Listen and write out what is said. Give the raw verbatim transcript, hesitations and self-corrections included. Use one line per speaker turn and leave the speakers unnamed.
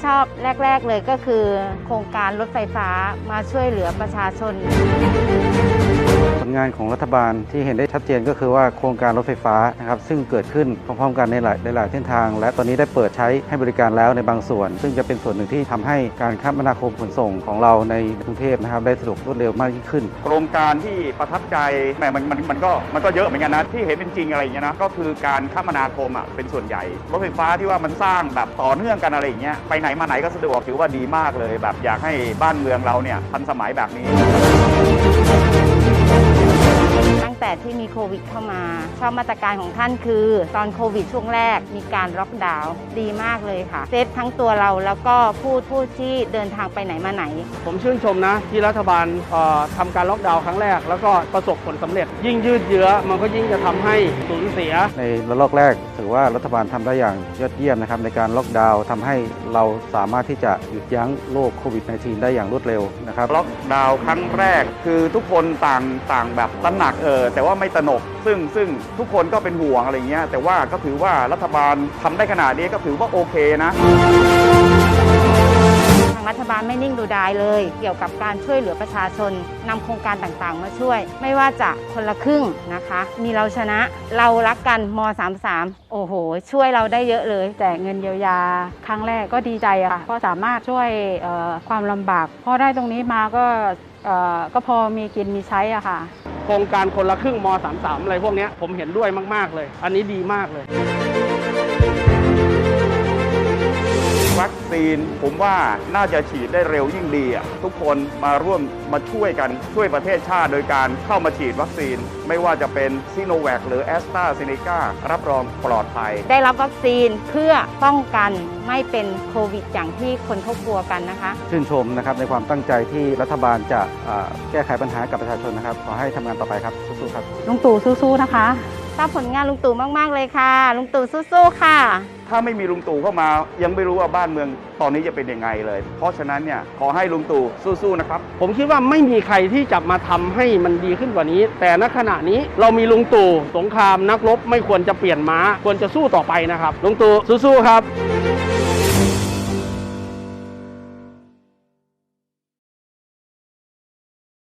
อบแรกๆเลยก็คือโครงการรถไฟฟ้ามาช่วยเหลือประชาชน
ผลงานของรัฐบาลที่เห็นได้ชัดเจนก็คือว่าโครงการรถไฟฟ้านะครับซึ่งเกิดขึ้นพร้อมๆกันในหลายหลายเส้นทางและตอนนี้ได้เปิดใช้ให้บริการแล้วในบางส่วนซึ่งจะเป็นส่วนหนึ่งที่ทำให้การคมนาคมขนส่งของเราในกรุงเทพนะครับได้สะดวกรวดเร็วมากยิ่งขึ้น
โครงการที่ประทับใจแหมมันมันมันก็มันก็เยอะเหมือนกันนะที่เห็นเป็นจริงอะไรอย่างเงี้ยนะก็คือการคมนาคมอ่ะเป็นส่วนใหญ่รถไฟฟ้าที่ว่ามันสร้างแบบต่อเนื่องกันอะไรอย่างเงี้ยไปไหนมาไหนก็สะดวกถือว่าดีมากเลยแบบอยากให้บ้านเมืองเราเนี่ยทันสมัยแบบนี้
ตั้งแต่ที่มีโควิดเข้ามาชอบมาตรการของท่านคือตอนโควิดช่วงแรกมีการล็อกดาวน์ดีมากเลยค่ะเซฟทั้งตัวเราแล้วก็ผู้ผู้ที่เดินทางไปไหนมาไหน
ผมชื่นชมนะที่รัฐบาลทำการล็อกดาวน์ครั้งแรกแล้วก็ประสบผลสำเร็จยิ่งยืดเยื้อมันก็ยิ่งจะทำให้สูญเสีย
ในระลอกแรกถือว่ารัฐบาลทำได้อย่างยอดเยี่ยมนะครับในการล็อกดาวน์ทำให้เราสามารถที่จะหยุดยั้งโรคโควิด สิบเก้า ได้อย่างรวดเร็วนะครับ
ล็อกดาวน์ครั้งแรกคือทุกคนต่างต่างแบบตระหนักเออแต่ว่าไม่ตระหนกซึ่งซึ่งทุกคนก็เป็นห่วงอะไรเงี้ยแต่ว่าก็ถือว่ารัฐบาลทำได้ขนาดนี้ก็ถือว่าโอเคนะ
ทางรัฐบาลไม่นิ่งดูดายเลยเกี่ยวกับการช่วยเหลือประชาชนนำโครงการต่างๆมาช่วยไม่ว่าจะคนละครึ่งนะคะมีเราชนะเรารักกันม สามสิบสามโอ้โหช่วยเราได้เยอะเลย
แจกเงินเยียวยาครั้งแรกก็ดีใจอะค่ะเพราะสามารถช่วยความลำบากพอได้ตรงนี้มาก็ก็พอมีกินมีใช้อะค่ะ
โครงการคนละครึ่งม สามสิบสามอะไรพวกนี้ผมเห็นด้วยมากๆเลยอันนี้ดีมากเลย
วัคซีนผมว่าน่าจะฉีดได้เร็วยิ่งดีอ่ะทุกคนมาร่วมมาช่วยกันช่วยประเทศชาติโดยการเข้ามาฉีดวัคซีนไม่ว่าจะเป็นซิโนแวคหรือแอสตราเซเนการับรองปลอดภัย
ได้รับวัคซีนเพื่อป้องกันไม่เป็นโควิดอย่างที่คนเขากลัวกันนะคะ
ชื่นชมนะครับในความตั้งใจที่รัฐบาลจะแก้ไขปัญหากับประชาชนนะครับขอให้ทำงานต่อไปครับสู้ๆครับ
ลุงตู่สู้ๆนะคะ
ทราบผลงานลุงตู่มากๆเลยค่ะลุงตู่สู้ๆค่ะ
ถ้าไม่มีลุงตู่เข้ามายังไม่รู้ว่าบ้านเมืองตอนนี้จะเป็นยังไงเลยเพราะฉะนั้นเนี่ยขอให้ลุงตู่สู้ๆนะครับ
ผมคิดว่าไม่มีใครที่จะมาทำให้มันดีขึ้นกว่านี้แต่ณขณะนี้เรามีลุงตู่สงครามนักรบไม่ควรจะเปลี่ยนม้าควรจะสู้ต่อไปนะครับลุงตู่สู้ๆครับ